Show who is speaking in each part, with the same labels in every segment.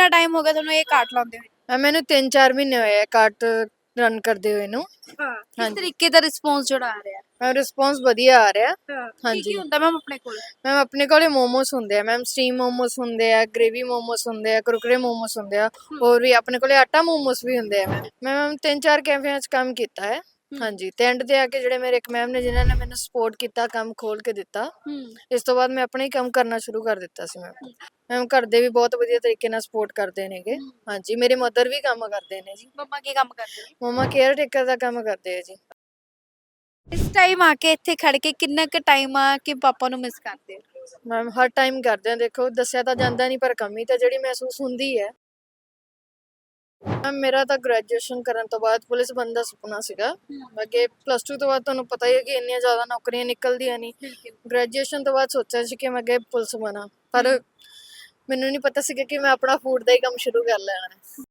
Speaker 1: ਕਿੰਨਾ ਟਾਈਮ ਹੋ ਗਿਆ ਤੁਹਾਨੂੰ ਇਹ ਕਾਰਟ ਲਾਉਂਦੇ ਹੋਏ?
Speaker 2: ਮੈਨੂੰ 3-4 ਮਹੀਨੇ ਹੋਏ ਆ ਕਾਰਟ ਰਨ ਕਰਦੇ ਹੋਏ ਨੂੰ।
Speaker 1: ਹਾਂ, ਕਿਸ
Speaker 2: ਹਾਂਜੀ।
Speaker 1: ਤਰੀਕੇ ਦਾ ਰਿਸਪੌਂਸ ਜਿਹੜਾ ਆ ਰਿਹਾ?
Speaker 2: ਰਿਸਪੌਂਸ ਵਧੀਆ ਆ ਰਿਹਾ।
Speaker 1: ਹਾਂ, ਕੀ
Speaker 2: ਹਾਂਜੀ।
Speaker 1: ਹੁੰਦਾ ਮੈਮ ਆਪਣੇ ਕੋਲ?
Speaker 2: ਮੈਮ ਆਪਣੇ ਕੋਲੇ ਮੋਮੋਸ ਹੁੰਦੇ ਆ ਮੈਮ, ਸਟੀਮ ਮੋਮੋਸ ਹੁੰਦੇ ਆ, ਗ੍ਰੇਵੀ ਮੋਮੋਸ ਹੁੰਦੇ ਆ, ਕੁਰਕਰੇ ਮੋਮੋਸ ਹੁੰਦੇ ਆ, ਹੋਰ ਵੀ ਆਪਣੇ ਕੋਲੇ ਆਟਾ ਮੋਮੋਸ ਵੀ ਹੁੰਦੇ ਆ ਮੈਮ। ਮੈਮ 3-4 ਕੈਫੇਆਂ 'ਚ ਕੰਮ ਕੀਤਾ ਹੈ। ਹਾਂਜੀ, ਤੇ ਐਂਡ ਤੇ ਆ ਕੇ ਜਿਹੜੇ ਮੇਰੇ ਇੱਕ ਮੈਮ ਨੇ ਜਿਨ੍ਹਾਂ ਨੇ ਮੈਨੂੰ ਸਪੋਰਟ ਕੀਤਾ, ਕੰਮ ਖੋਲ ਕੇ ਦਿੱਤਾ। ਇਸ ਤੋਂ ਬਾਅਦ ਮੈਂ ਆਪਣਾ ਹੀ ਕੰਮ ਕਰਨਾ ਸ਼ੁਰੂ ਕਰ ਦਿੱਤਾ ਸੀ ਮੈਮ। ਮੈਮ ਘਰ ਦੇ ਵੀ ਬਹੁਤ ਵਧੀਆ ਤਰੀਕੇ ਨਾਲ ਸਪੋਰਟ ਕਰਦੇ ਨੇਗੇ। ਹਾਂਜੀ, ਮੇਰੇ ਮਦਰ ਵੀ ਕੰਮ ਕਰਦੇ ਨੇ ਜੀ।
Speaker 1: ਮੰਮਾ ਕੀ ਕੰਮ ਕਰਦੇ ਨੇ?
Speaker 2: ਮੰਮਾ ਕੇਅਰ ਟੇਕਰ ਦਾ ਕੰਮ ਕਰਦੇ ਆ ਜੀ।
Speaker 1: ਇਸ ਟਾਈਮ ਆ ਕੇ ਇੱਥੇ ਖੜ ਕੇ ਕਿੰਨਾ ਕੁ ਟਾਈਮ ਆ ਕਿ ਪਾਪਾ ਨੂੰ ਮਿਸ ਕਰਦੇ ਹੋ?
Speaker 2: ਮੈਮ ਹਰ ਟਾਈਮ ਕਰਦੇ ਆ, ਦੇਖੋ ਦੱਸਿਆ ਤਾਂ ਜਾਂਦਾ ਨਹੀਂ ਪਰ ਕਮੀ ਤਾਂ ਜਿਹੜੀ ਮਹਿਸੂਸ ਹੁੰਦੀ ਹੈ। ਮੈਮ ਮੇਰਾ ਤਾਂ ਗ੍ਰੈਜੂਏਸ਼ਨ ਕਰਨ ਤੋਂ ਬਾਅਦ ਪੁਲਿਸ ਬਣਨ ਦਾ ਸੁਪਨਾ ਸੀਗਾ। ਅੱਗੇ +2 ਤੋਂ ਬਾਅਦ ਤੁਹਾਨੂੰ ਪਤਾ ਹੀ ਹੈ ਕਿ ਇੰਨੀਆਂ ਜ਼ਿਆਦਾ ਨੌਕਰੀਆਂ ਨਿਕਲਦੀਆਂ ਨਹੀਂ। ਗ੍ਰੈਜੂਏਸ਼ਨ ਤੋਂ ਬਾਅਦ ਸੋਚਿਆ ਸੀ ਕਿ ਮੈਂ ਅੱਗੇ ਪੁਲਿਸ ਬਣਾ, ਪਰ ਮੈਨੂੰ ਨਹੀਂ ਪਤਾ ਸੀਗਾ ਕਿ ਮੈਂ ਆਪਣਾ ਫੂਡ ਦਾ ਹੀ ਕੰਮ ਸ਼ੁਰੂ ਕਰ ਲੈਣਾ ਹੈ।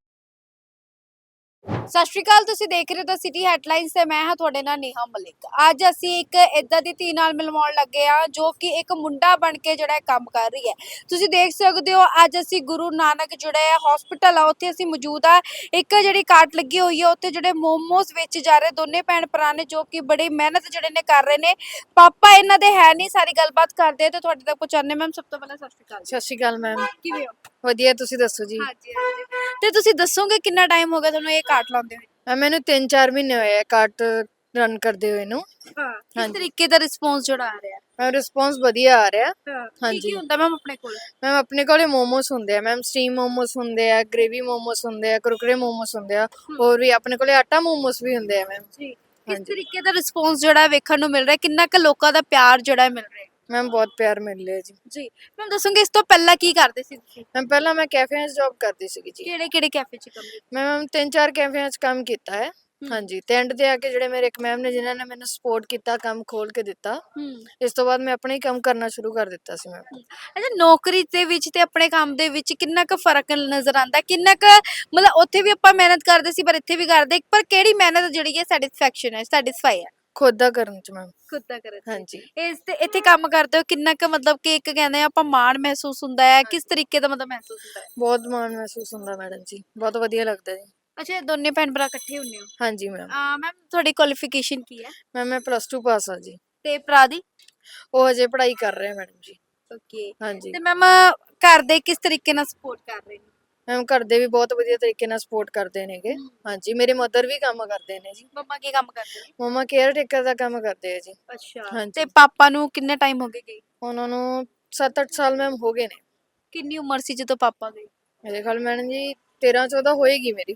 Speaker 1: ਸਤਿ ਸ਼੍ਰੀ ਅਕਾਲ, ਤੁਸੀਂ ਦੇਖ ਰਹੇ ਹੋ ਤਾਂ ਸਿਟੀ ਹੈਡਲਾਈਨਸ ਤੇ ਮੈਂ ਹਾਂ ਤੁਹਾਡੇ ਨਾਲ ਨੇਹਾ ਮਲਿਕ। ਅੱਜ ਅਸੀਂ ਇੱਕ ਇਦਾਂ ਦੀ ਧੀ ਨਾਲ ਮਿਲਵਾਉਣ ਲੱਗੇ ਆ ਜੋ ਕਿ ਇੱਕ ਮੁੰਡਾ ਬਣ ਕੇ ਜਿਹੜਾ ਕੰਮ ਕਰ ਰਹੀ ਹੈ। ਤੁਸੀਂ ਦੇਖ ਸਕਦੇ ਹੋ ਅੱਜ ਅਸੀਂ ਗੁਰੂ ਨਾਨਕ ਜਿਹੜਾ ਹੈ ਹਸਪੀਟਲ ਆ ਉੱਥੇ ਅਸੀਂ ਮੌਜੂਦ ਆ। ਇੱਕ ਜਿਹੜੀ ਕਾਰਟ ਲੱਗੀ ਹੋਈ ਹੈ ਉੱਥੇ ਜਿਹੜੇ ਮੋਮੋਸ ਵੇਚੇ ਜਾ ਰਹੇ ਦੋਨੇ ਭੈਣ ਭਰਾ ਨੇ ਜੋ ਕਿ ਬੜੀ ਮਿਹਨਤ ਜਿਹੜੇ ਨੇ ਕਰ ਰਹੇ ਨੇ। ਪਾਪਾ ਇਹਨਾਂ ਦੇ ਹੈ ਨਹੀਂ, ਸਾਰੀ ਗੱਲਬਾਤ ਕਰਦੇ ਤੇ ਤੁਹਾਡੇ ਤੱਕ ਪਹੁੰਚਾਉਂਦੇ। ਮੈਮ ਸਭ ਤੋਂ ਪਹਿਲਾਂ ਸਤਿ ਸ਼੍ਰੀ ਅਕਾਲ।
Speaker 2: ਸਤਿ ਸ਼੍ਰੀ ਅਕਾਲ ਮੈਮ।
Speaker 1: ਕਿਵੇਂ ਹੋ?
Speaker 2: ਵਧੀਆ, ਤੁਸੀਂ ਦੱਸੋ ਜੀ।
Speaker 1: ਹਾਂਜੀ ਹਾਂਜੀ, ਤੇ ਤੁਸੀਂ ਦੱਸੋਗੇ ਕਿੰਨਾ ਟਾਈਮ ਹੋ ਗਿਆ ਤੁਹਾਨੂੰ ਇਹ ਕਾਰਟ ਲਾਉਂਦੇ ਹੋਏ?
Speaker 2: ਮੈਨੂੰ 3-4 ਮਹੀਨੇ ਹੋਏ ਆ ਕਾਰਟ ਰਨ ਕਰਦੇ ਹੋਏ ਨੂੰ।
Speaker 1: ਹਾਂ, ਕਿਸ ਤਰੀਕੇ ਦਾ ਰਿਸਪੌਂਸ ਜਿਹੜਾ ਆ ਰਿਹਾ?
Speaker 2: ਰਿਸਪੌਂਸ ਵਧੀਆ ਆ ਰਿਹਾ।
Speaker 1: ਹਾਂ,
Speaker 2: ਹਾਂਜੀ।
Speaker 1: ਕੀ ਹੁੰਦਾ ਮੈਮ ਆਪਣੇ ਕੋਲ?
Speaker 2: ਮੈਮ ਆਪਣੇ ਕੋਲੇ ਮੋਮੋਸ ਹੁੰਦੇ ਆ ਮੈਮ, ਸਟੀਮ ਮੋਮੋਸ ਹੁੰਦੇ ਆ, ਗ੍ਰੇਵੀ ਮੋਮੋਸ ਹੁੰਦੇ ਆ, ਕੁਰਕਰੇ ਮੋਮੋਸ ਹੁੰਦੇ ਆ, ਹੋਰ ਵੀ ਆਪਣੇ ਕੋਲੇ ਆਟਾ ਮੋਮੋਸ ਵੀ ਹੁੰਦੇ ਆ ਮੈਮ।
Speaker 1: ਜੀ, ਕਿਸ ਤਰੀਕੇ ਦਾ ਰਿਸਪੌਂਸ ਜਿਹੜਾ ਵੇਖਣ ਨੂੰ ਮਿਲ ਰਿਹਾ, ਕਿੰਨਾ ਕੁ ਲੋਕਾਂ ਦਾ ਪਿਆਰ ਜਿਹੜਾ ਮਿਲ ਰਿਹਾ?
Speaker 2: ਮੈਮ ਬਹੁਤ ਪਿਆਰ ਮਿਲ ਰਿਹਾ ਜੀ।
Speaker 1: ਜੀ, ਮੈਮ ਦੱਸੋਗੇ ਇਸ ਤੋਂ ਪਹਿਲਾਂ ਕੀ ਕਰਦੇ ਸੀ ਤੁਸੀਂ?
Speaker 2: ਮੈਮ ਪਹਿਲਾਂ ਮੈਂ ਕੈਫੇਆਂ 'ਚ ਜੌਬ ਕਰਦੀ ਸੀਗੀ ਜੀ।
Speaker 1: ਕਿਹੜੇ ਕੈਫੇ 'ਚ ਕੰਮ ਕੀਤਾ?
Speaker 2: ਮੈਮ 3-4 ਕੈਫੇਆਂ 'ਚ ਕੰਮ ਕੀਤਾ ਹੈ। ਹਾਂਜੀ, ਤੇ ਐਂਡ ਤੇ ਆ ਕੇ ਜਿਹੜੇ ਮੇਰੇ ਇੱਕ ਮੈਮ ਨੇ ਜਿਨ੍ਹਾਂ ਨੇ ਮੈਨੂੰ ਸਪੋਰਟ ਕੀਤਾ, ਕੰਮ ਖੋਲ ਕੇ ਦਿੱਤਾ। ਇਸ ਤੋਂ ਬਾਅਦ ਮੈਂ ਆਪਣਾ ਹੀ ਕੰਮ ਕਰਨਾ ਸ਼ੁਰੂ ਕਰ ਦਿੱਤਾ ਸੀ ਮੈਮ।
Speaker 1: ਅੱਛਾ, ਨੌਕਰੀ ਦੇ ਵਿੱਚ ਤੇ ਆਪਣੇ ਕੰਮ ਦੇ ਵਿੱਚ ਕਿੰਨਾ ਕੁ ਫਰਕ ਨਜ਼ਰ ਆਉਂਦਾ? ਕਿੰਨਾ ਕੁ ਮਤਲਬ ਉੱਥੇ ਵੀ ਆਪਾਂ ਮਿਹਨਤ ਕਰਦੇ ਸੀ ਪਰ ਇੱਥੇ ਵੀ ਕਰਦੇ, ਪਰ ਕਿਹੜੀ ਮਿਹਨਤ ਜਿਹੜੀ ਹੈ ਸੈਟੀਸਫੈਕਸ਼ਨ ਹੈ, ਸੈਟੀਸਫਾਈ ਹੈ?
Speaker 2: ਖੁਦ ਦਾ ਕਰਨ 'ਚ ਮੈਮ।
Speaker 1: ਖੁਦ ਦਾ ਕਰਨ 'ਚ।
Speaker 2: ਹਾਂਜੀ।
Speaker 1: ਇਸ ਤੇ ਇੱਥੇ ਕੰਮ ਕਰਦੇ ਹੋ ਕਿੰਨਾ ਕੁ ਮਤਲਬ ਕਿ ਇੱਕ ਕਹਿੰਦੇ ਆਪਾਂ ਮਾਣ ਮਹਿਸੂਸ ਹੁੰਦਾ ਹੈ, ਕਿਸ ਤਰੀਕੇ ਦਾ ਮਤਲਬ ਮਹਿਸੂਸ ਹੁੰਦਾ ਹੈ?
Speaker 2: ਬਹੁਤ ਮਾਣ ਮਹਿਸੂਸ ਹੁੰਦਾ ਮੈਡਮ ਜੀ, ਬਹੁਤ ਵਧੀਆ ਲੱਗਦਾ ਜੀ।
Speaker 1: ਅੱਛਾ, ਇਹ ਦੋਨੇ ਭੈਣ ਭਰਾ ਇਕੱਠੇ ਹੁੰਦੇ ਹੋ?
Speaker 2: ਹਾਂਜੀ ਮੈਮ।
Speaker 1: ਮੈਮ ਤੁਹਾਡੀ ਕੁਆਲੀਫਿਕੇਸ਼ਨ ਕੀ ਹੈ?
Speaker 2: ਮੈਮ ਮੈਂ +2 ਪਾਸ ਆ ਜੀ।
Speaker 1: ਤੇ ਭਰਾ ਦੀ?
Speaker 2: ਉਹ ਹਜੇ ਪੜ੍ਹਾਈ ਕਰ ਰਹੇ ਮੈਡਮ ਜੀ।
Speaker 1: ਓਕੇ।
Speaker 2: ਹਾਂਜੀ।
Speaker 1: ਤੇ ਮੈਮ ਘਰ ਦੇ ਕਿਸ ਤਰੀਕੇ ਨਾਲ ਸਪੋਰਟ ਕਰ ਰਹੇ ਨੇ?
Speaker 2: ਮੈਮ ਘਰ ਦੇ ਵੀ ਬਹੁਤ ਵਧੀਆ ਤਰੀਕੇ ਨਾਲ ਸਪੋਰਟ ਕਰਦੇ ਨੇਗੇ। ਹਾਂਜੀ, ਮੇਰੇ ਮਦਰ ਵੀ ਕੰਮ ਕਰਦੇ ਨੇ ਜੀ।
Speaker 1: ਮੰਮਾ ਕੀ ਕੰਮ ਕਰਦੇ ਨੇ?
Speaker 2: ਮੰਮਾ ਕੇਅਰ ਟੇਕਰ ਦਾ ਕੰਮ ਕਰਦੇ ਆ ਜੀ।
Speaker 1: ਅੱਛਾ, ਤੇ
Speaker 2: ਹਾਂਜੀ।
Speaker 1: ਪਾਪਾ ਨੂੰ ਕਿੰਨੇ ਟਾਈਮ ਹੋ ਗਏ?
Speaker 2: ਉਹਨਾਂ ਨੂੰ 7-8 ਸਾਲ ਮੈਮ ਹੋ ਗਏ ਨੇ।
Speaker 1: ਕਿੰਨੀ ਉਮਰ ਸੀ ਜਦੋਂ ਪਾਪਾ ਗਏ?
Speaker 2: ਮੇਰੇ ਖਿਆਲ ਮੈਡਮ ਜੀ 13-14 ਹੋਏਗੀ ਮੇਰੀ।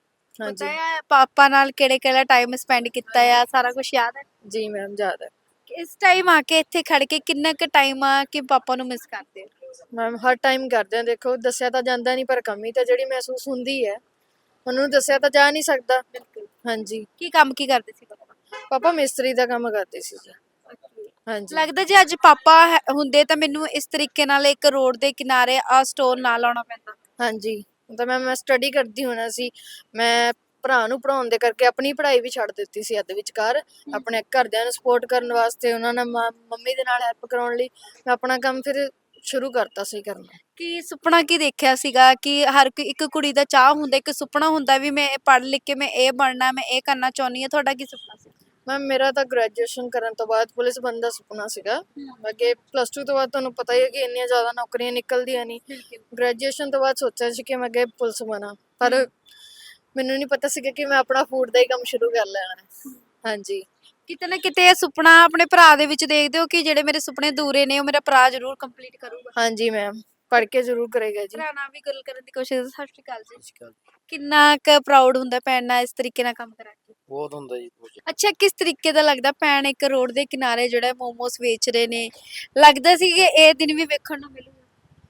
Speaker 1: ਪਤਾ
Speaker 2: ਹਾਂਜੀ।
Speaker 1: ਹੈ ਪਾਪਾ ਨਾਲ ਕਿਹੜੇ ਟਾਈਮ ਸਪੈਂਡ ਕੀਤਾ ਆ, ਸਾਰਾ ਕੁਝ ਯਾਦ ਹੈ?
Speaker 2: ਜੀ ਮੈਮ, ਯਾਦ ਹੈ।
Speaker 1: ਇਸ ਟਾਈਮ ਆ ਕੇ ਇੱਥੇ ਖੜ ਕੇ ਕਿੰਨਾ ਕੁ ਟਾਈਮ ਆ ਕਿ ਪਾਪਾ ਨੂੰ ਮਿਸ ਕਰਦੇ ਹੋ?
Speaker 2: ਮੈਮ ਹਰ ਟਾਈਮ ਕਰਦੇ ਆ, ਦੇਖੋ ਦੱਸਿਆ ਤਾਂ ਜਾਂਦਾ ਨਹੀਂ ਪਰ ਕਮੀ ਤਾਂ ਜਿਹੜੀ ਮਹਿਸੂਸ ਹੁੰਦੀ ਹੈ, ਉਹਨੂੰ ਦੱਸਿਆ ਤਾਂ ਜਾ ਨਹੀਂ ਸਕਦਾ।
Speaker 1: ਬਿਲਕੁਲ।
Speaker 2: ਹਾਂਜੀ।
Speaker 1: ਕੀ ਕਰਦੇ ਸੀ ਪਾਪਾ?
Speaker 2: ਪਾਪਾ ਮਿਸਤਰੀ ਦਾ ਕੰਮ ਕਰਦੇ ਸੀ ਜੀ। ਹਾਂਜੀ।
Speaker 1: ਲੱਗਦਾ ਜੇ ਅੱਜ ਪਾਪਾ ਹੁੰਦੇ ਤਾਂ ਮੈਨੂੰ ਇਸ ਤਰੀਕੇ ਨਾਲ ਇੱਕ ਰੋਡ ਦੇ ਕਿਨਾਰੇ ਆ ਸਟੋਰ ਨਾ ਲਾਉਣਾ ਪੈਂਦਾ?
Speaker 2: ਹਾਂਜੀ, ਤਾਂ ਮੈਂ ਸਟੱਡੀ ਕਰਦੀ ਹੋਣਾ ਸੀ। ਮੈਂ ਭਰਾ ਨੂੰ ਪੜ੍ਹਾਉਣ ਦੇ ਕਰਕੇ ਆਪਣੀ ਪੜ੍ਹਾਈ ਵੀ ਛੱਡ ਦਿੱਤੀ ਸੀ ਅੱਧ ਵਿਚਕਾਰ। ਆਪਣੇ ਘਰਦਿਆਂ ਨੂੰ ਸਪੋਰਟ ਕਰਨ ਵਾਸਤੇ, ਉਹਨਾਂ ਨਾਲ ਮੰਮੀ ਦੇ ਨਾਲ ਹੈਲਪ ਕਰਾਉਣ ਲਈ ਮੈਂ ਆਪਣਾ ਕੰਮ ਫਿਰ ਸ਼ੁਰੂ ਕਰਤਾ ਸੀ ਕਰਨਾ।
Speaker 1: ਕੀ ਸੁਪਨਾ ਕੀ ਦੇਖਿਆ ਸੀਗਾ ਕਿ ਹਰ ਇੱਕ ਕੁੜੀ ਦਾ ਚਾਹ ਹੁੰਦਾ, ਇੱਕ ਸੁਪਨਾ ਹੁੰਦਾ ਵੀ ਮੈਂ ਪੜ੍ਹ ਲਿਖ ਕੇ ਮੈਂ ਇਹ ਬਣਨਾ, ਮੈਂ ਇਹ ਕਰਨਾ ਚਾਹੁੰਦੀ ਹਾਂ? ਤੁਹਾਡਾ ਕੀ ਸੁਪਨਾ ਸੀ?
Speaker 2: ਮੈਮ ਮੇਰਾ ਤਾਂ ਗ੍ਰੈਜੂਏਸ਼ਨ ਕਰਨ ਤੋਂ ਬਾਅਦ ਪੁਲਿਸ ਬਣਨ ਦਾ ਸੁਪਨਾ ਸੀਗਾ। ਅੱਗੇ +2 ਤੋਂ ਬਾਅਦ ਤੁਹਾਨੂੰ ਪਤਾ ਹੀ ਹੈ ਕਿ ਇੰਨੀਆਂ ਜ਼ਿਆਦਾ ਨੌਕਰੀਆਂ ਨਿਕਲਦੀਆਂ ਨਹੀਂ। ਗ੍ਰੈਜੂਏਸ਼ਨ ਤੋਂ ਬਾਅਦ ਸੋਚਿਆ ਸੀ ਕਿ ਮੈਂ ਅੱਗੇ ਪੁਲਿਸ ਬਣਾ, ਪਰ ਮੈਨੂੰ ਨਹੀਂ ਪਤਾ ਸੀਗਾ ਕਿ ਮੈਂ ਆਪਣਾ ਫੂਡ ਦਾ ਹੀ ਕੰਮ ਸ਼ੁਰੂ ਕਰ ਲੈਣਾ ਹੈ। ਹਾਂਜੀ।
Speaker 1: ਕਿਤੇ ਨਾ ਕਿਤੇ ਇਹ ਸੁਪਨਾ ਆਪਣੇ ਭਰਾ ਦੇ ਵਿੱਚ ਦੇਖਦੇ ਹੋ ਕਿ ਜਿਹੜੇ ਮੇਰੇ ਸੁਪਨੇ ਅਧੂਰੇ ਨੇ ਉਹ ਮੇਰਾ ਭਰਾ ਜ਼ਰੂਰ ਕੰਪਲੀਟ ਕਰੂਗਾ?
Speaker 2: ਹਾਂਜੀ ਮੈਮ, ਪੜ੍ਹ ਕੇ ਜ਼ਰੂਰ ਕਰੇਗਾ ਜੀ।
Speaker 1: ਭਰਾ ਨਾਲ ਵੀ ਗੱਲ ਕਰਨ ਦੀ ਕੋਸ਼ਿਸ਼। ਸਤਿ ਸ਼੍ਰੀ ਅਕਾਲ ਜੀ। ਕਿੰਨਾ ਕੁ ਪ੍ਰਾਊਡ ਹੁੰਦਾ ਭੈਣ ਨਾਲ ਇਸ ਤਰੀਕੇ ਨਾਲ ਕੰਮ ਕਰਾ ਕੇ?
Speaker 3: ਬਹੁਤ ਹੁੰਦਾ ਜੀ।
Speaker 1: ਅੱਛਾ, ਕਿਸ ਤਰੀਕੇ ਦਾ ਲੱਗਦਾ ਭੈਣ ਇੱਕ ਰੋਡ ਦੇ ਕਿਨਾਰੇ ਜਿਹੜਾ ਮੋਮੋਸ ਵੇਚ ਰਹੇ ਨੇ, ਲੱਗਦਾ ਸੀ ਕਿ ਇਹ ਦਿਨ ਵੀ ਵੇਖਣ ਨੂੰ ਮਿਲੂਗਾ?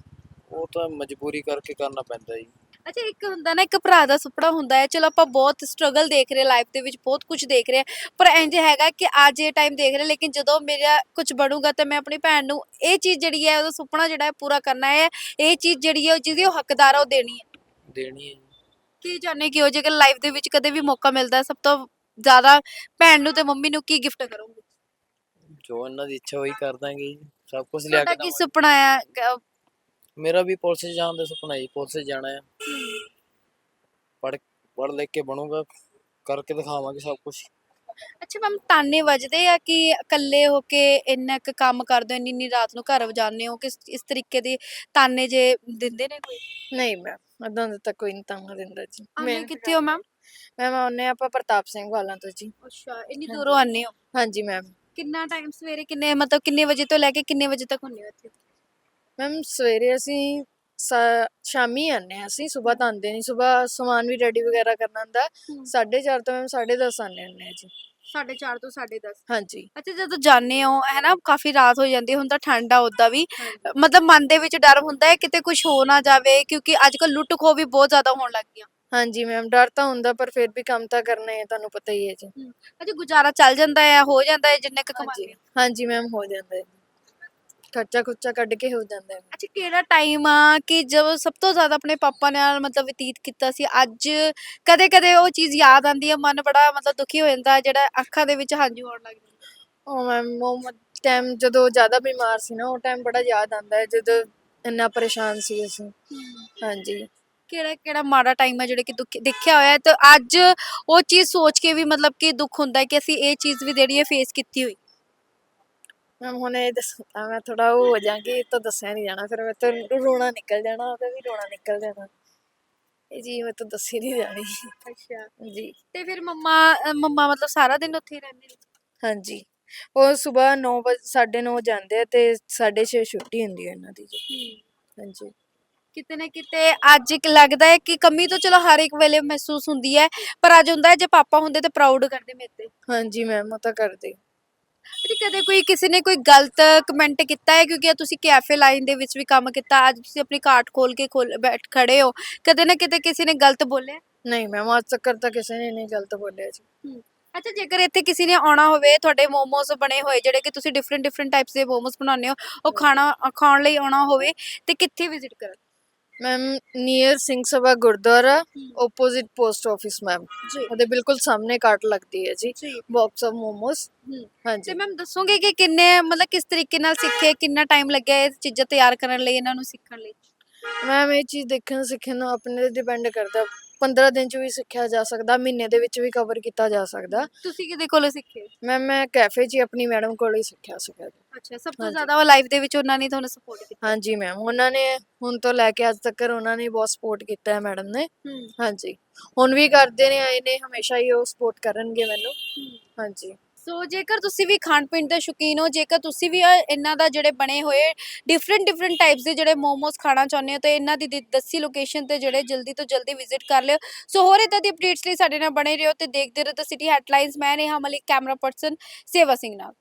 Speaker 3: ਉਹ ਤਾਂ ਮਜਬੂਰੀ ਕਰਕੇ ਕਰਨਾ ਪੈਂਦਾ ਜੀ।
Speaker 1: ਅੱਛਾ, ਇੱਕ ਹੁੰਦਾ ਨਾ ਇੱਕ ਭਰਾ ਦਾ ਸੁਪਨਾ ਹੁੰਦਾ ਹੈ, ਚਲੋ ਆਪਾਂ ਬਹੁਤ ਸਟਰਗਲ ਦੇਖ ਰਹੇ ਲਾਈਫ ਦੇ ਵਿੱਚ, ਬਹੁਤ ਕੁਝ ਦੇਖ ਰਹੇ ਪਰ ਇੰਜ ਹੈਗਾ ਕਿ ਅੱਜ ਇਹ ਟਾਈਮ ਦੇਖ ਰਹੇ ਲੇਕਿਨ ਜਦੋਂ ਮੇਰਾ ਕੁਝ ਬਣੂਗਾ ਤਾਂ ਮੈਂ ਆਪਣੀ ਭੈਣ ਨੂੰ ਇਹ ਚੀਜ਼ ਜਿਹੜੀ ਹੈ ਉਹਦਾ ਸੁਪਨਾ ਜਿਹੜਾ ਹੈ ਪੂਰਾ ਕਰਨਾ ਹੈ, ਇਹ ਚੀਜ਼ ਜਿਹੜੀ ਹੈ ਜਿਹਦੀ ਉਹ ਹੱਕਦਾਰ ਆ ਉਹ ਦੇਣੀ ਹੈ।
Speaker 3: ਦੇਣੀ ਹੈ ਜੀ।
Speaker 1: ਕੀ ਚਾਹੁੰਦੇ ਕਿ ਉਹ ਜੇਕਰ ਲਾਈਫ ਦੇ ਵਿੱਚ ਕਦੇ ਵੀ ਮੌਕਾ ਮਿਲਦਾ ਸਭ ਤੋਂ ਜ਼ਿਆਦਾ ਭੈਣ ਨੂੰ ਤੇ ਮੰਮੀ ਨੂੰ ਕੀ ਗਿਫਟ ਕਰੋਗੇ?
Speaker 3: ਜੋ ਇਹਨਾਂ ਦੀ ਇੱਛਾ ਉਹੀ ਕਰ ਦਾਂਗੇ ਜੀ। ਸਭ ਕੁਝ ਲਿਆ
Speaker 1: ਤੁਹਾਡਾ
Speaker 3: ਕੇ
Speaker 1: ਕੀ
Speaker 3: ਦੇਵਾਂਗੇ।
Speaker 1: ਸੁਪਨਾ ਆ
Speaker 3: ਮੇਰਾ ਵੀ ਪੁਲਿਸ 'ਚ ਜਾਣ ਦਾ ਸੁਪਨਾ ਜੀ, ਪੁਲਿਸ 'ਚ ਜਾਣਾ ਆ, ਪੜ੍ਹ ਲਿਖ ਕੇ ਬਣੂਗਾ, ਕਰਕੇ ਦਿਖਾਵਾਂਗੇ ਸਭ ਕੁਝ।
Speaker 1: ਅੱਛਾ ਮੈਮ, ਤਾਨੇ ਵੱਜਦੇ ਆ ਕਿ ਇਕੱਲੇ ਹੋ ਕੇ ਇੰਨਾ ਕੁ ਕੰਮ ਕਰਦੇ ਹੋ, ਇੰਨੀ ਇੰਨੀ ਰਾਤ ਨੂੰ ਘਰ ਜਾਂਦੇ ਹੋ, ਕਿਸ ਇਸ ਤਰੀਕੇ ਦੇ ਤਾਨੇ ਜੇ ਦਿੰਦੇ ਨੇ ਕੋਈ?
Speaker 2: ਨਹੀਂ ਮੈਮ, ਏਦਾਂ ਦਾ ਤਾਂ ਕੋਈ ਨਹੀਂ ਤਾਨਾ ਦਿੰਦਾ ਜੀ।
Speaker 1: ਆਉਂਦੇ ਕਿੱਥੇ ਹੋ ਮੈਮ?
Speaker 2: ਮੈਮ ਆਉਂਦੇ ਆਪਾਂ ਪ੍ਰਤਾਪ ਸਿੰਘ ਵਾਲਾਂ ਤੋਂ ਜੀ।
Speaker 1: ਅੱਛਾ, ਇੰਨੀ ਦੂਰੋਂ ਆਉਂਦੇ ਹੋ?
Speaker 2: ਹਾਂਜੀ ਮੈਮ।
Speaker 1: ਕਿੰਨਾ ਟਾਈਮ ਸਵੇਰੇ ਕਿੰਨੇ ਮਤਲਬ ਕਿੰਨੇ ਵਜੇ ਤੋਂ ਲੈ ਕੇ ਕਿੰਨੇ ਵਜੇ ਤੱਕ ਹੁੰਦੇ ਹੋ ਇੱਥੇ?
Speaker 2: ਮੈਮ ਸਵੇਰੇ ਅਸੀਂ ਸ਼ਾਮੀ ਆਉਂਦੇ ਹਾਂ, ਅਸੀਂ ਸੁਬਾਹ ਤਾਂ ਆਉਂਦੇ ਨਹੀਂ, ਸੁਬਾਹ ਸਮਾਨ ਵੀ ਰੈਡੀ ਵਗੈਰਾ ਕਰਨਾ ਹੁੰਦਾ। 4:30 ਤੋਂ ਮੈਮ 10:30 ਆਉਂਦੇ ਹੁੰਦੇ ਹਾਂ ਜੀ।
Speaker 1: 4:30 ਤੋਂ 10:30।
Speaker 2: ਹਾਂਜੀ।
Speaker 1: ਅੱਛਾ, ਜਦੋਂ ਜਾਂਦੇ ਹੋ ਹੈ ਨਾ, ਕਾਫੀ ਰਾਤ ਹੋ ਜਾਂਦੀ ਹੈ, ਹੁਣ ਤਾਂ ਠੰਡ ਆ ਉੱਦਾਂ ਵੀ, ਮਤਲਬ ਮਨ ਦੇ ਵਿੱਚ ਡਰ ਹੁੰਦਾ ਹੈ ਕਿਤੇ ਕੁਝ ਹੋ ਨਾ ਜਾਵੇ, ਕਿਉਂਕਿ ਅੱਜ ਕੱਲ੍ਹ ਲੁੱਟ ਖੋਹ ਵੀ ਬਹੁਤ ਜ਼ਿਆਦਾ ਹੋਣ ਲੱਗ ਗਈਆਂ।
Speaker 2: ਹਾਂਜੀ ਮੈਮ, ਡਰ ਤਾਂ ਹੁੰਦਾ ਪਰ ਫਿਰ ਵੀ ਕੰਮ ਤਾਂ ਕਰਨਾ ਹੈ, ਤੁਹਾਨੂੰ ਪਤਾ ਹੀ ਹੈ ਜੀ।
Speaker 1: ਅੱਛਾ, ਗੁਜ਼ਾਰਾ ਚੱਲ ਜਾਂਦਾ ਹੈ, ਹੋ ਜਾਂਦਾ ਹੈ ਜਿੰਨੇ ਕੁ ਕਮਾਉਂਦੇ
Speaker 2: ਹਾਂਜੀ
Speaker 1: ਹੋ?
Speaker 2: ਹਾਂਜੀ ਮੈਮ, ਹੋ ਜਾਂਦਾ ਹੈ, ਖਰਚਾ ਖੁਰਚਾ ਕੱਢ ਕੇ ਹੋ ਜਾਂਦਾ ਹੈ।
Speaker 1: ਅੱਛਾ, ਕਿਹੜਾ ਟਾਈਮ ਆ ਕਿ ਜਦੋਂ ਸਭ ਤੋਂ ਜ਼ਿਆਦਾ ਆਪਣੇ ਪਾਪਾ ਨਾਲ ਮਤਲਬ ਬਤੀਤ ਕੀਤਾ ਸੀ? ਅੱਜ ਕਦੇ ਕਦੇ ਉਹ ਚੀਜ਼ ਯਾਦ ਆਉਂਦੀ ਹੈ, ਮਨ ਬੜਾ ਮਤਲਬ ਦੁਖੀ ਹੋ ਜਾਂਦਾ, ਜਿਹੜਾ ਅੱਖਾਂ ਦੇ ਵਿੱਚ ਹੰਝੂ ਆਉਣ ਲੱਗ ਜਾਂਦੇ?
Speaker 2: ਉਹ ਮੈਮ ਉਹ ਟਾਈਮ ਜਦੋਂ ਜ਼ਿਆਦਾ ਬਿਮਾਰ ਸੀ ਨਾ, ਉਹ ਟਾਈਮ ਬੜਾ ਯਾਦ ਆਉਂਦਾ ਹੈ, ਜਦੋਂ ਇੰਨਾ ਪਰੇਸ਼ਾਨ ਸੀ ਅਸੀਂ। ਹਾਂਜੀ।
Speaker 1: ਕਿਹੜਾ ਕਿਹੜਾ ਮਾੜਾ ਟਾਈਮ ਹੈ ਜਿਹੜਾ ਕਿ ਦੁੱਖ ਦੇਖਿਆ ਹੋਇਆ ਹੈ ਤੇ ਅੱਜ ਉਹ ਚੀਜ਼ ਸੋਚ ਕੇ ਵੀ ਮਤਲਬ ਕਿ ਦੁੱਖ ਹੁੰਦਾ ਹੈ ਕਿ ਅਸੀਂ ਇਹ ਚੀਜ਼ ਵੀ ਜਿਹੜੀ ਹੈ ਫੇਸ ਕੀਤੀ ਹੋਈ?
Speaker 2: ਮੈਮ ਹੁਣ ਇਹ ਦੱਸਣਾ ਮੈਂ ਥੋੜਾ ਉਹ ਹੋ ਜਾਵਾਂਗੀ, ਇਹ ਤਾਂ ਦੱਸਿਆ ਨਹੀਂ ਜਾਣਾ, ਫਿਰ ਮੈਂ ਤਾਂ ਰੋਣਾ ਨਿਕਲ ਜਾਣਾ, ਉਹਦਾ ਵੀ ਰੋਣਾ ਨਿਕਲ ਜਾਣਾ, ਇਹ ਜੀ ਮੈਂ ਤਾਂ ਦੱਸੀ ਨਹੀਂ ਜਾਣੀ।
Speaker 1: ਅੱਛਾ,
Speaker 2: ਜੀ।
Speaker 1: ਤੇ ਫਿਰ ਮੰਮਾ ਮੰਮਾ ਮਤਲਬ ਸਾਰਾ ਦਿਨ ਉੱਥੇ ਹੀ ਰਹਿੰਦੇ ਨੇ?
Speaker 2: ਹਾਂਜੀ, ਉਹ ਸਵੇਰ 9 ਵਜੇ 9:30 ਜਾਂਦੇ ਆ ਤੇ 6:30 ਛੁੱਟੀ ਹੁੰਦੀ ਹੈ ਇਹਨਾਂ ਦੀ ਜੀ। ਹਾਂਜੀ।
Speaker 1: ਕਿਤੇ ਨਾ ਕਿਤੇ ਅੱਜ ਇੱਕ ਲੱਗਦਾ ਹੈ ਕਿ ਕਮੀ ਤਾਂ ਚਲੋ ਹਰ ਇੱਕ ਵੇਲੇ ਮਹਿਸੂਸ ਹੁੰਦੀ ਹੈ, ਪਰ ਅੱਜ ਹੁੰਦਾ ਹੈ ਜੇ ਪਾਪਾ ਹੁੰਦੇ ਤਾਂ ਪ੍ਰਾਊਡ ਕਰਦੇ ਮੇਰੇ ਤੇ।
Speaker 2: ਹਾਂਜੀ ਮੈਮ, ਉਹ ਤਾਂ ਕਰਦੇ।
Speaker 1: ਤੇ ਕਦੇ ਕੋਈ ਕਿਸੇ ਨੇ ਕੋਈ ਗਲਤ ਕਮੈਂਟ ਕੀਤਾ ਹੈ, ਕਿਉਂਕਿ ਤੁਸੀਂ ਕੈਫੇ ਲਾਈਨ ਦੇ ਵਿੱਚ ਵੀ ਕੰਮ ਕੀਤਾ, ਅੱਜ ਤੁਸੀਂ ਆਪਣੀ ਕਾਰਟ ਖੋਲ ਕੇ ਬੈਠ ਖੜੇ ਹੋ, ਕਦੇ ਨਾ ਕਿਤੇ ਕਿਸੇ ਨੇ ਗਲਤ ਬੋਲਿਆ?
Speaker 2: ਨਹੀਂ ਮੈਮ, ਅੱਜ ਤੱਕ ਤਾਂ ਕਿਸੇ ਨੇ ਨਹੀਂ ਗਲਤ ਬੋਲਿਆ ਜੀ।
Speaker 1: ਅੱਛਾ, ਜੇਕਰ ਇੱਥੇ ਕਿਸੇ ਨੇ ਆਉਣਾ ਹੋਵੇ, ਤੁਹਾਡੇ ਮੋਮੋਸ ਬਣੇ ਹੋਏ ਜਿਹੜੇ ਕਿ ਤੁਸੀਂ ਡਿਫਰੈਂਟ ਡਿਫਰੈਂਟ ਟਾਈਪਸ ਦੇ ਮੋਮੋਸ ਬਣਾਉਂਦੇ ਹੋ, ਉਹ ਖਾਣ ਲਈ ਆਉਣਾ ਹੋਵੇ ਤੇ ਕਿੱਥੇ ਵਿਜ਼ਿਟ ਕਰਨ?
Speaker 2: Ma'am near Singh Sabha Gurdwara, opposite post office ma'am,
Speaker 1: ਜੀ
Speaker 2: ਉਹਦੇ ਬਿਲਕੁਲ ਸਾਹਮਣੇ ਕਾਟ ਲੱਗਦੀ ਹੈ ਜੀ,
Speaker 1: ਜੀ।
Speaker 2: Box of momos.
Speaker 1: ਤੇ
Speaker 2: ਹਾਂਜੀ
Speaker 1: ਮੈਮ ਦੱਸੋਗੇ ਕਿ ਕਿੰਨੇ ਮਤਲਬ ਕਿਸ ਤਰੀਕੇ ਨਾਲ ਸਿੱਖੇ, ਕਿੰਨਾ ਟਾਈਮ ਲੱਗਿਆ ਇਹ ਚੀਜ਼ਾਂ ਤਿਆਰ ਕਰਨ ਲਈ, ਇਹਨਾਂ ਨੂੰ ਸਿੱਖਣ ਲਈ?
Speaker 2: ਮੈਮ ਇਹ ਚੀਜ਼ ਦੇਖਣ ਸਿੱਖਣ ਨੂੰ ਆਪਣੇ ਤੇ ਡਿਪੈਂਡ ਕਰਦਾ, 15 ਦਿਨ 'ਚ ਵੀ ਸਿੱਖਿਆ ਜਾ ਸਕਦਾ, ਮਹੀਨੇ ਦੇ ਵਿੱਚ ਵੀ ਕਵਰ ਕੀਤਾ ਜਾ ਸਕਦਾ।
Speaker 1: ਤੁਸੀਂ ਕਿਹਦੇ ਕੋਲੋਂ ਸਿੱਖੇ?
Speaker 2: ਮੈਮ ਮੈਂ ਕੈਫੇ 'ਚ ਹੀ ਆਪਣੀ ਮੈਡਮ ਕੋਲੋਂ ਹੀ ਸਿੱਖਿਆ ਸੀਗਾ ਜੀ।
Speaker 1: ਅੱਛਾ, ਸਭ ਤੋਂ
Speaker 2: ਹਾਂਜੀ।
Speaker 1: ਜ਼ਿਆਦਾ ਉਹ ਲਾਈਫ ਦੇ ਵਿੱਚ ਉਹਨਾਂ ਨੇ ਤੁਹਾਨੂੰ ਸਪੋਰਟ ਕੀਤਾ?
Speaker 2: ਹਾਂਜੀ ਮੈਮ, ਉਹਨਾਂ ਨੇ ਹੁਣ ਤੋਂ ਲੈ ਕੇ ਅੱਜ ਤੱਕ ਉਹਨਾਂ ਨੇ ਬਹੁਤ ਸਪੋਰਟ ਕੀਤਾ ਹੈ ਮੈਡਮ ਨੇ। ਹਾਂਜੀ, ਹੁਣ ਵੀ ਕਰਦੇ ਨੇ, ਆਏ ਨੇ, ਹਮੇਸ਼ਾ ਹੀ ਉਹ ਸਪੋਰਟ ਕਰਨਗੇ ਮੈਨੂੰ। ਹਾਂਜੀ।
Speaker 1: ਸੋ ਜੇਕਰ ਤੁਸੀਂ ਵੀ ਖਾਣ ਪੀਣ ਦੇ ਸ਼ੌਕੀਨ ਹੋ, ਜੇਕਰ ਤੁਸੀਂ ਵੀ ਇਹਨਾਂ ਦਾ ਜਿਹੜੇ ਬਣੇ ਹੋਏ ਡਿਫਰੈਂਟ ਡਿਫਰੈਂਟ ਟਾਈਪਸ ਦੇ ਜਿਹੜੇ ਮੋਮੋਸ ਖਾਣਾ ਚਾਹੁੰਦੇ ਹੋ, ਤਾਂ ਇਹਨਾਂ ਦੀ ਦੱਸੀ ਲੋਕੇਸ਼ਨ ਤੇ ਜਿਹੜੇ ਜਲਦੀ ਤੋਂ ਜਲਦੀ ਵਿਜ਼ਿਟ ਕਰ ਲਿਓ। ਸੋ ਹੋਰ ਇਦਾਂ ਦੀ ਅਪਡੇਟਸ ਲਈ ਸਾਡੇ ਨਾਲ ਬਣੇ ਰਹੋ ਤੇ ਦੇਖਦੇ ਰਹੋ ਦ ਸਿਟੀ ਹੈਡਲਾਈਨਸ। ਮੈਂ ਨੇਹਾ ਮਲਿਕ, ਕੈਮਰਾ ਪਰਸਨ ਸੇਵਾ ਸਿੰਘ ਨਾਲ।